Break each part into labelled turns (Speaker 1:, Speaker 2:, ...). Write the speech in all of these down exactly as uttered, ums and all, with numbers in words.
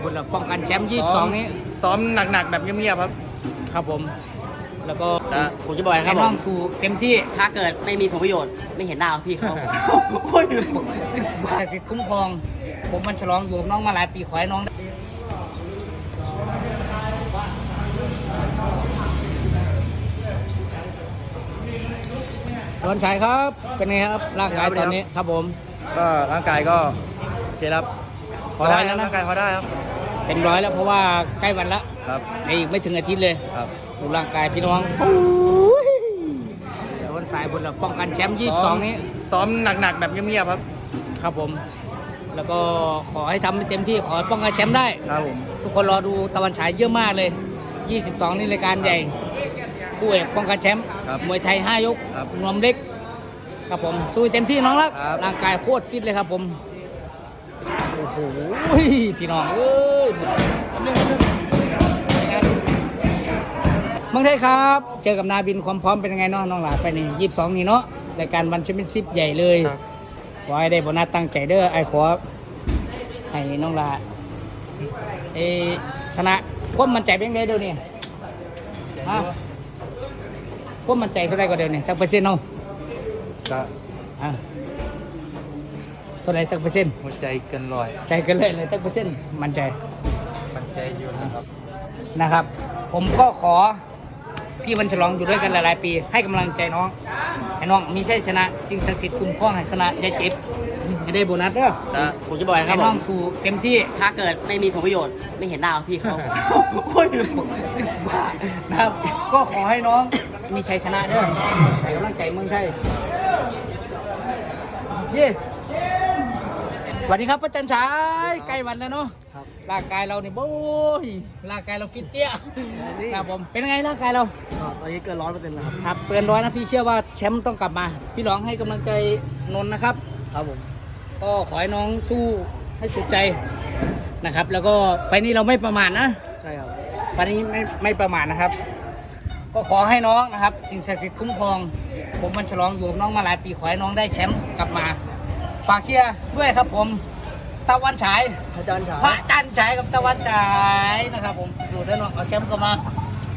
Speaker 1: คนละป้องกันแชมป์ยี่สิบสองนี้
Speaker 2: ซ้อมหนักๆแบบเงียบๆครับ
Speaker 1: ครับผมแล้วก็
Speaker 3: ผมจะบอกนะครับ
Speaker 1: น้องสู่เต็มที่
Speaker 3: ถ้าเกิดไม่มีผลประโยชน์ไม่เห็นหน้าพี่เขา
Speaker 1: แต่สิทธิ์คุ้มครองผมมันฉลองอยู่กับน้องมาหลายปีขอให้น้องร้อนชัยครับเป็นไงครับร่างกายตอนนี้ครับผม
Speaker 2: ก็ร่างกายก็โอเคครับพอได้แล้วร่างกายพอได้ครับ
Speaker 1: เต็มร้อยแล้วเพราะว่าใกล้วันละ
Speaker 2: ครับ
Speaker 1: ในอีกไม่ถึงอาทิตย์เลย
Speaker 2: ครับ
Speaker 1: ดูร่างกายพี่น้องร้อนสายบนเราป้องกันแชมป์ยี่สิบสองนี้
Speaker 2: ซ้อมหนักๆแบบเงียบๆครับ
Speaker 1: ครับผมแล้วก็ขอให้ทำให้เต็มที่ขอป้องกันแชมป์ได้
Speaker 2: ครับผม
Speaker 1: ทุกคนรอดูตะวันฉายเยอะมากเลยยี่สิบสองนี่รายการใหญ่คู่เอกป้องกันแชมป์มวยไทยห้ายกนวมเล็กครับผมสู้เต็มที่น้องรักร่างกายโคตรฟิตเลยครับผมโอ้โหพี่น้องเอ้ยเมืองไทยครับเจอกับนาบินความพร้อมเป็นยังไงเนาะน้องหลาไปนี่ยี่สิบสองนี่เนาะรายการวันแชมเปี้ยนชิพใหญ่เลยขอให้ได้โบนัสตั้งใจเด้อไอ้ขอให้น้องหลาเอชนะความมั่นใจเป็นยังไงเดี๋ยวนี้ฮะความมั่นใจเท่าไรก็เดี๋ยวนี้จักเปอร์เซ็นต์เนาะ
Speaker 2: ก็
Speaker 1: อ่ะเท่าไรจักเปอร์เซ็นต์
Speaker 2: หัวใจเกินร้อย
Speaker 1: ใจเกินเลยเลยจักเปอร์เซ็นต์มั่นใจ
Speaker 2: มั่นใจอยู่นะครับ
Speaker 1: นะครับผมก็ขอพี่วันฉลองอยู่ด้วยกันหลายๆปีให้กำลังใจน้องให้น้องมีชัยชนะสิ่งศักดิ์สิทธิ์คุ้มครองให้ชนะอย่าเจ็บจะได้โบนัสเด้อ
Speaker 3: ผมจะบอกนะครับ
Speaker 1: น้องสู่เต็มที่
Speaker 3: ถ้าเกิดไม่มีผลประโยชน์ไม่เห็นหน้าพี่เขา
Speaker 1: นะครับก็ขอให้น้องมีชัยชนะเด้อให้กำลังใจเมืองไทยเย้สวัสดีครับพระจันทร์ฉายใกล้วันแล้วเนาะร่างกายเราเนี่ยโอ้ยร่างกายเราฟิตเตี้ยครับผมเป็นไงร่างกายเรา
Speaker 2: ตอนนี้เกินร้อยเปอร์เซ็นต์แล้วครับ
Speaker 1: ครับเกินร้อยนะพี่เชื่อว่าแชมป์ต้องกลับมาพี่ร้องให้กำลังใจนนท์นะครับ
Speaker 2: ครับผม
Speaker 1: ก็ขอให้น้องสู้ให้สุดใจนะครับแล้วก็ไฟนี้เราไม่ประมาทนะ
Speaker 2: ใช่ครับ
Speaker 1: ไฟนี้ไม่ไม่ประมาทนะครับก็ขอให้น้องนะครับสิ่งศักดิ์สิทธิ์คุ้มครองผมมันฉลองอยู่กับน้องมาหลายปีขอให้น้องได้แชมป์กลับมาฝากเชียร์ด้วยครับผมตะวันฉาย
Speaker 2: พระจันทร์ฉาย
Speaker 1: พระจันทร์ฉายกับตะวันฉายนะครับผมสูตรแล้วน้องเอาแชมป์กลับมา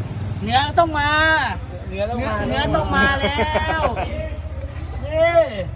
Speaker 1: เนื้อต้องมา
Speaker 2: เนื้อต้องมา
Speaker 1: เนื้อต้องมาแล้วเย้